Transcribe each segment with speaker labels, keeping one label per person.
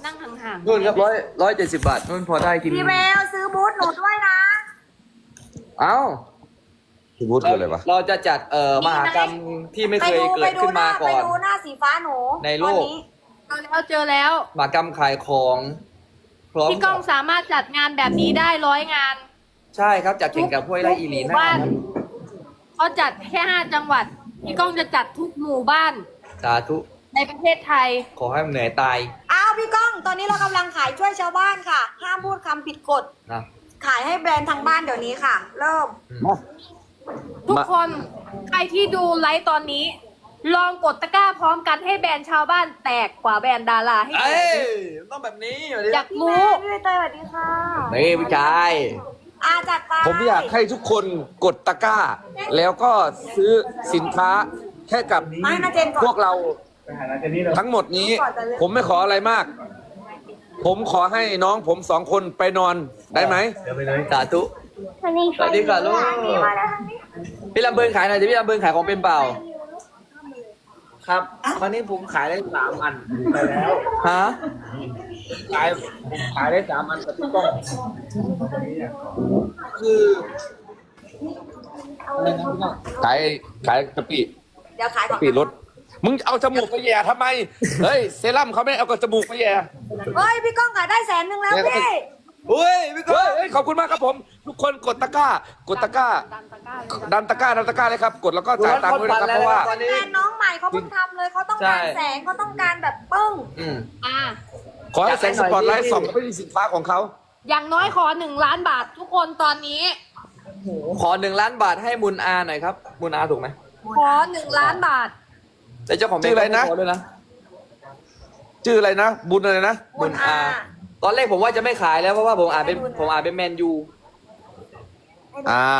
Speaker 1: นั่งห่างๆ
Speaker 2: นู่นครับ170 บาทนู่นพอได้กิน
Speaker 3: พี่เบลซื้อบูธหนูด้วยนะ
Speaker 2: เอ้า
Speaker 4: พี่วุฒิคืออะไรวะ
Speaker 2: เราจะจัดมหากรรมที่ไม่เคยเกิดขึ้นมาก่อน
Speaker 3: ไปดูหน้าสีฟ้าหนู
Speaker 2: ในโลก
Speaker 3: ตอนนี้
Speaker 1: เจอแล้ว
Speaker 2: มหากรรมขายของพร้อม
Speaker 1: พี่ก้องสามารถจัดงานแบบนี้ได้100 งาน
Speaker 2: ใช่ครับจัดแข่งกับห้วยไร่อีหลีน่าครับ
Speaker 1: เขาจัดแค่5 จังหวัดพี่ก้องจะจัดทุกหมู่บ้าน
Speaker 2: สาธุ
Speaker 1: ในประเทศไทย
Speaker 2: ขอให้มันเหนื่อยตาย
Speaker 3: อ้าวพี่ก้อง ตอนนี้เรากำลังขายช่วยชาวบ้านค่ะ ห้ามพูดคำผิดกฎ
Speaker 2: นะ
Speaker 3: ขายให้แบรนด์ทางบ้านเดี๋ยวนี้ค่ะ เริ่ม
Speaker 1: ทุกคนใครที่ดูไลฟ์ตอนนี้ ลองกดตะกร้าพร้อมกันให้แบรนด์ชาวบ้านแตกกว่าแบรนด์ดาราให้ดู
Speaker 2: เอ้ยต้องแบบนี้เดี๋ยว
Speaker 1: อยาก
Speaker 3: พี่
Speaker 1: รู้
Speaker 3: แม่พี่ใบเตยสวัสดีค่ะ
Speaker 2: นี่พี่ชาย
Speaker 3: จัดไป
Speaker 4: ผมอยากให้ทุกคนกดตะกร้า แล้วก็ซื้อสินค้าให้กับ
Speaker 3: มาให้นาเจนก่อน
Speaker 4: พวกเราทั้งหมดนี้ ผมไม่ขออะไรมาก ผมขอให้น้องผม2 คนไปนอนได้ไหม
Speaker 2: สาธุ สวัสดีค่ะลูก
Speaker 3: มาแล้วทางนี้
Speaker 2: พี่ลำเบินขายหน่อยดิพี่ลำเบินขายของเป็นเปล่า ครับวันนี้ผมขายได้3 อันไปแล้วฮะ
Speaker 4: ขายได้3 อันกับพี่ก้องคือขายกะปิ
Speaker 3: เดี๋ยวขายก่อน
Speaker 4: กะปิรถมึงเอาจมูกไปแย่ทำไม เฮ้ยเซรั่มเขาไม่เอากับจมูกไปแย่
Speaker 3: เฮ้ยพี่ก้องขายได้100,000แล้วพี่
Speaker 2: อุ้ยพี่ก้อ
Speaker 4: เฮ้ยขอบคุณมากครับผม ทุกคนกดตะกร้ากดตะกร้า
Speaker 1: ดันตะกร้าเลย
Speaker 4: ดันตะกร้าเลยครับ กดแล้วก็จ่ายตังค์ด้วยนะครับเพราะว่า
Speaker 2: ตอนนี้
Speaker 3: แบรนด์น้องใหม่เขาเพิ่งทำเลยเขาต้องการแสงเขาต้องการแบบปึ้ง
Speaker 1: อ่ะ
Speaker 4: ขอให้แสงสปอตไลท์ส่องไปที่สินค้าของเขา
Speaker 1: อย่างน้อยขอ1 ล้านบาททุกคนตอนนี้
Speaker 2: ขอ1 ล้านบาทให้มุนอาหน่อยครับ มุนอาถูกไหม
Speaker 1: ขอ1 ล้านบาท
Speaker 2: แต่เจ้าของ
Speaker 4: ชื่ออะไรนะ
Speaker 2: ขด้วยนะ
Speaker 4: ชื่ออะไรนะ บุญอะไรนะ
Speaker 3: บุญอา
Speaker 2: ตอนแรกผมว่าจะไม่ขายแล้วเพราะว่าผมอ่านเป็นแมนยู
Speaker 4: อ้าว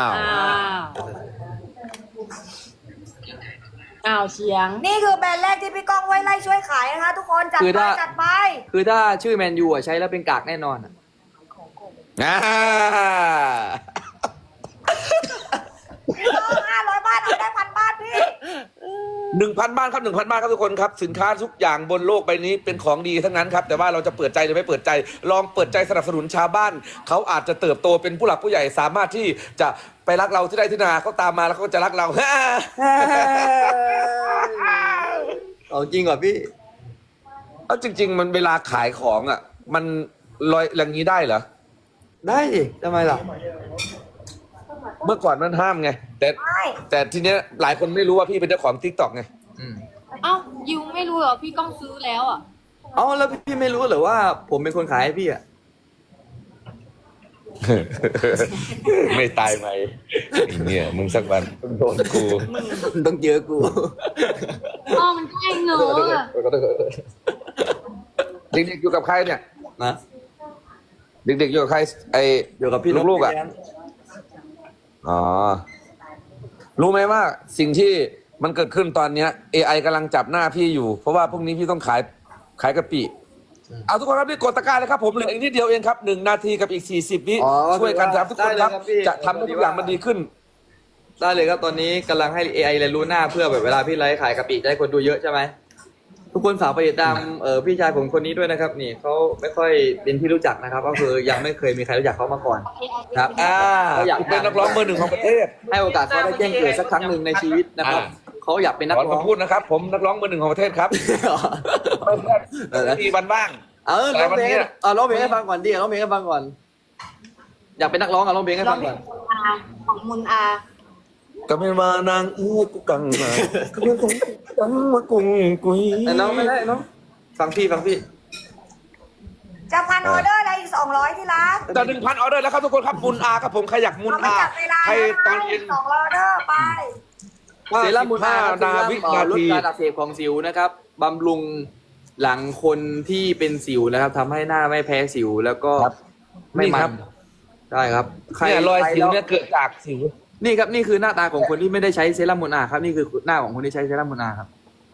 Speaker 1: อ้าวเสียง
Speaker 3: นี่คือแบรนด์แรกที่พี่ก้องไว้ไล่ช่วยขายนะคะ ทุกคนจัดไปจัดไป
Speaker 2: คือถ้าชื่อแมนยูอ่ะใช้แล้วเป็นกากแน่นอนอะ
Speaker 4: อ่า
Speaker 3: พี่ก้อง500 บาทเอาได้1,000 บาทพี่
Speaker 4: 1,000 บ้านครับ 1,000 บ้านครับทุกคนครับ สินค้าทุกอย่างบนโลกใบนี้เป็นของดีทั้งนั้นครับ แต่ว่าเราจะเปิดใจหรือไม่เปิดใจ ลองเปิดใจสนับสนุนชาวบ้าน เขาอาจจะเติบโตเป็นผู้หลักผู้ใหญ่สามารถที่จะไปรักเราที่ใดที่นาเขาตามมาแล้วเขาก็จะรักเรา
Speaker 2: เอาจริงเหรอพี่
Speaker 4: เอาจริง ๆ มันเวลาขายของอ่ะ มันลอยอย่างนี้ได้เหรอ
Speaker 2: ได้ดิทำไมล่ะ
Speaker 4: เมื่อก่อนมันห้ามไง
Speaker 3: ไม่
Speaker 4: แต่ทีเนี้ยหลายคนไม่รู้ว่าพี่เป็นเจ้าของ TikTok ไง
Speaker 1: เอ้ายิวไม่รู้เหรอพี่ก้องซื้อแล้วอ่ะ
Speaker 2: เอาแล้วพี่ไม่รู้เหรอว่าผมเป็นคนขายให้พี่อ่ะ
Speaker 4: ไม่ตายไหมเนี่ยมึงสักวันต้องโดนกู
Speaker 2: ต้องเจอกู
Speaker 1: อ๋อมันใกล้เงออะ
Speaker 4: เด็กๆอยู่กับใครเนี่ย
Speaker 2: นะ
Speaker 4: เด็กๆอยู่กับใครไอ้
Speaker 2: อยู่กับพี่
Speaker 4: ลูกๆอ่ะ
Speaker 2: พี่เลี้ยง
Speaker 4: อ๋อรู้ไหมว่าสิ่งที่มันเกิดขึ้นตอนเนี้ย AI กำลังจับหน้าพี่อยู่ เพราะว่าพรุ่งนี้พี่ต้องขายกะปิเอาทุกคนครับนี่กดตะกร้าเลยครับผมเหลืออีกนิดเดียวเองครับ1 นาทีกับอีก40 วิ
Speaker 2: อ๋อ
Speaker 4: ช่วยกันครับทุกคนครับ
Speaker 2: ได้เลยครับพี่
Speaker 4: จะทำให้ทุกอย่างมันดีขึ้น
Speaker 2: ได้เลยครับตอนนี้กำลังให้ AI เรียนรู้หน้าเพื่อแบบเวลาพี่ไลฟ์ขายกะปิจะให้คนดูเยอะใช่ไหมทุกคนฝากไปติดตามพี่ชายผมคนนี้ด้วยนะครับ นี่เขาไม่ค่อยเป็นที่รู้จักนะครับ ก็คือยังไม่เคยมีใครรู้จักเขามาก่อนครับเขาอยาก
Speaker 4: เป็นนักร้องเบอร์ 1ของประเทศ
Speaker 2: ให้โอกาสเขาได้แจ้งเกิดสักครั้งหนึ่งในชีวิตนะครับเขาอยากเป็นนัก
Speaker 4: ขอ
Speaker 2: ร้อง
Speaker 4: คำพูดนะครับ ผมนักร้องเบอร์ 1ของประเทศครับไม่มีวันว่าง
Speaker 2: ร้องเพลงร้องเพลงให้ฟังก่อนดิร้องเพลงให้ฟังก่อน อยากเป็นนักร้องร้องเพลงให้ฟังก่อน
Speaker 1: ของมุนอา
Speaker 4: ก็ไม่มานางกูกังมาก็ไม่ต้องกังมากุ้งกุย
Speaker 2: แต่น้องไม่ได้น้องฟังพี่
Speaker 3: จะพันออเดอร์อะไรอีก200ที่ร้าน
Speaker 4: จะ1,000 ออเดอร์แล้วครับทุกคนครับมุนอาครับผมใครอยากมุน
Speaker 3: เอาไป
Speaker 4: อา
Speaker 3: จับเวลา
Speaker 4: ใคร
Speaker 3: แล้ว
Speaker 4: ตอน
Speaker 3: นะ
Speaker 4: เย็น
Speaker 3: 200ออเดอร์ไป
Speaker 2: เซรั่มมูลค่า
Speaker 4: 15 นาวินา
Speaker 2: ลด
Speaker 4: ที
Speaker 2: การอักเสบของสิวนะครับบำรุงหลังคนที่เป็นสิวนะครับทำให้หน้าไม่แพ้สิวแล้วก็
Speaker 4: ครับ
Speaker 2: ไม่มั
Speaker 4: นี่ครั
Speaker 2: น
Speaker 4: บ
Speaker 2: ได้ครับ
Speaker 4: เนี่ยรอยสิว
Speaker 2: ใค
Speaker 4: เนี่ยเกิดจากสิว
Speaker 2: นี่ครับนี่คือหน้าตาของคนที่ไม่ได้ใช้เซรั่มมูลอาครับนี่คือหน้าของคนที่ใช้เซรั่มมูลอาครับ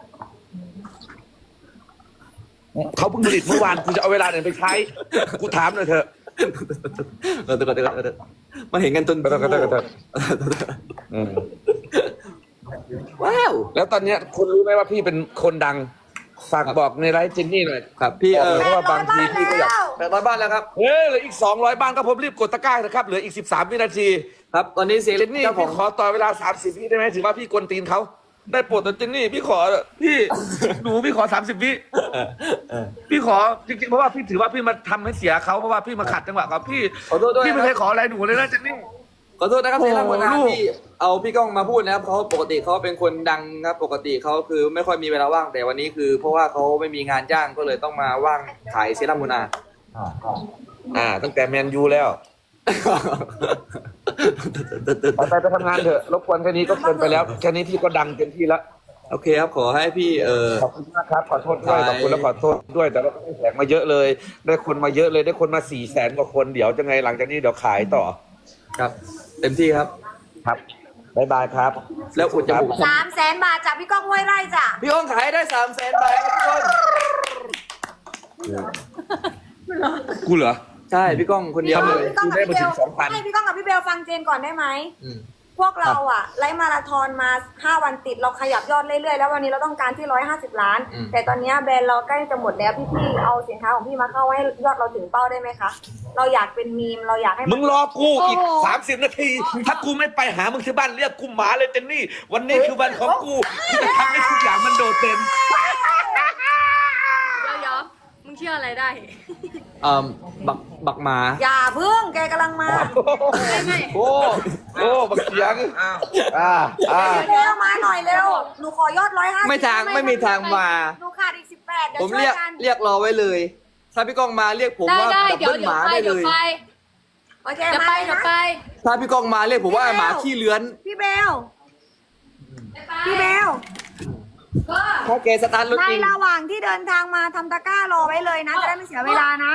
Speaker 4: เขาเพิ่งผลิตเมื่อวานกูจะเอาเวลาไหนไปใช้กูถามหน่อยเถอะ
Speaker 2: เดี๋ยวมาเห็นกันจน
Speaker 4: ก็ได้อืม
Speaker 2: ว้าว
Speaker 4: แล้วตอนเนี้ยคุณรู้ไหมว่าพี่เป็นคนดังฝากบอกในไลฟ์เจนนี่หน่อย
Speaker 2: ครับพี่
Speaker 4: เพราะว่าบางทีพี่ก็อยาก
Speaker 2: 800 บ้านแล้วครับ
Speaker 4: เฮ้ยเหลืออีก200บ้านก็ผมรีบกดตะกร้านะครับเหลืออีก13วินาที
Speaker 2: ครับตอนนี้เสียง
Speaker 4: เจนนี่
Speaker 2: เจ้าขอ
Speaker 4: พี่
Speaker 2: ง
Speaker 4: ขอต่อเวลา30วิได้ไหมถือว่าพี่กวนตีนเขาได้โปรดแต่เจนนี่พี่ขอพี่หนูพี่ขอ30วิพี่ขอจริงๆเพราะว่าพี่ถือว่าพี่มาทำให้เสียเขาเพราะว่าพี่มาขัดจังหวะเขาพี่
Speaker 2: ขอโทษด้วย
Speaker 4: พี่ไม่
Speaker 2: นะ
Speaker 4: เค
Speaker 2: ครับ
Speaker 4: ยขออะไรหนูเลยนะเจนนี่
Speaker 2: ขอโทษนะครับ
Speaker 4: โอ้
Speaker 2: เสีย
Speaker 4: โห
Speaker 2: งรัก
Speaker 4: ลูก
Speaker 2: ที่เอาพี่ก้องมาพูดนะครับเขาปกติเขาเป็นคนดังครับปกติเขาคือไม่ค่อยมีเวลาว่างแต่วันนี้คือ เพราะว่าเขาไม่มีงานจ้างก็เลยต้องมาว่างขายเซรั่มมูนา
Speaker 4: ตั้งแต่แมนยูแล้วไปทำงานเถอะรบกวนแค่นี้ก็เกินไปแล้วแค่นี้พี่ก็ดังเต็มที่แล้ว
Speaker 2: โอเคครับขอให้พี่
Speaker 4: ขอบคุณมากครับขอโทษด้วยขอบคุณและขอโทษด้วยแต่เราก็ได้แสงมาเยอะเลย ได้คนมาเยอะเลยได้คนมา400,000 กว่าคนเดี๋ยวจะไงหลังจากนี้เดี๋ยวขายต่อ
Speaker 2: ครับ เต็มที่ครับ
Speaker 4: ครับบ๊ายบายครับ
Speaker 2: แล้วอุดจมูก
Speaker 3: 300,000 บาทจากพี่ก้องห้วยไร่จ้ะ
Speaker 2: พี่ก้องขายได้300,000 บาทครับทุกคน
Speaker 4: กูเหรอ
Speaker 2: ใช่พี่ก้องคนเดียวเลย
Speaker 3: พี่ก้องกับพี่เบล
Speaker 4: ได้มาถึง2,000
Speaker 3: ให้พี่ก้องกับพี่เบลฟังเจนก่อนได้ไหม
Speaker 2: อืม
Speaker 3: พวกเราอะไลฟ์มาราธอนมา5 วันติดเราขยับยอดเรื่อยๆแล้ววันนี้เราต้องการที่150 ล้าน แต่ตอนนี้แบรนด์เราใกล้จะหมดแล้วพี่ๆเอาสินค้าของพี่มาเข้าให้ยอดเราถึงเป้าได้ไหมคะเราอยากเป็นมีมเราอยากให้
Speaker 4: มึงรอกูอีก
Speaker 3: โอ้โห
Speaker 4: 30 นาที ถ้ากูไม่ไปหามึงที่บ้านเรียกกูหมาเลยเจนนี่ วันนี้คือวันของกูที่จะทำให้ทุกอย่างมันโดดเด่น
Speaker 1: เดี๋ยวมึงเชื่ออะไรได้
Speaker 2: บักหมา
Speaker 3: อย่าพึ่งแกกำลังมา
Speaker 1: ไม่
Speaker 4: โอ้บักเสียง
Speaker 3: พี่เบลมาหน่อยเร็วหนูขอยอด150
Speaker 2: ไม่มีทางมา
Speaker 3: หนูขาดอีก18เดี๋ยว
Speaker 2: ผม
Speaker 3: ช่วยกัน
Speaker 2: เรียกรอไว้เลย ถ้าพี่ก้องมาเรียกผม
Speaker 1: ได้
Speaker 2: ว่า
Speaker 1: ได้
Speaker 2: ดับ
Speaker 1: เดี๋ยว
Speaker 2: เบิลหมา
Speaker 1: ไป
Speaker 2: ได้เล
Speaker 1: เดี๋ยวย ไป
Speaker 3: โอเค
Speaker 1: เดี๋ยว
Speaker 3: มา
Speaker 1: ไป
Speaker 3: เลย
Speaker 1: เดี๋ยว
Speaker 3: นะ
Speaker 1: ไป
Speaker 2: ถ้าพี่ก้องมาเรียกผมว่า
Speaker 3: พี่เบล
Speaker 2: หมาขี้เลื้อน
Speaker 3: พี่เบลพี่เบล
Speaker 2: ถ้าแกสตาร์ทรถ
Speaker 3: ใน
Speaker 2: จริง
Speaker 3: ระหว่างที่เดินทางมาทำตะกร้ารอไว้เลยนะจะได้ไม่เสียเวลานะ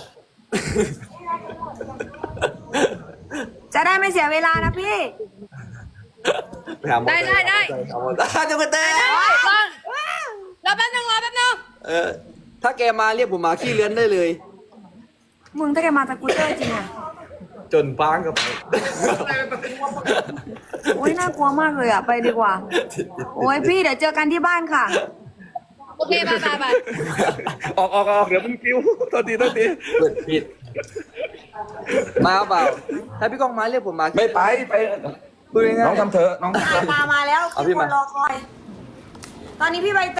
Speaker 3: จะได้ไม่เสียเวลานะพี่
Speaker 2: ไปหาหมอ
Speaker 1: ได้ได้ได้
Speaker 2: เอาหมอจังหวัดเต้
Speaker 1: ฟังรอแป๊บนึงรอแป๊บนึง
Speaker 2: ถ้าแกมาเรียกผมหมาขี้เลื้อนได้เลย
Speaker 3: มึงถ้าแกมาสกูตเตอร์จริงอะ
Speaker 2: จนป้างกับไป
Speaker 3: โอ้ยน่ากลัวมากเลยอะไปดีกว่า โอ้ยพี่เดี๋ยวเจอกันที่บ้านค่ะ
Speaker 1: โอเคไปไปไป
Speaker 4: ออกเดี๋ยวมึงกิ้วโทษที
Speaker 2: เปิดผิด มาเปล่า ถ้าพี่ก้องมาเรียกผมหมาขี้
Speaker 4: ไม่ไป
Speaker 2: พูดง่ายๆ
Speaker 4: น้องทำเถอะน้อง
Speaker 3: มาแล้ว
Speaker 2: เอาพี่
Speaker 3: ค
Speaker 2: มา
Speaker 3: นรอคอย ตอนนี้พี่ใบ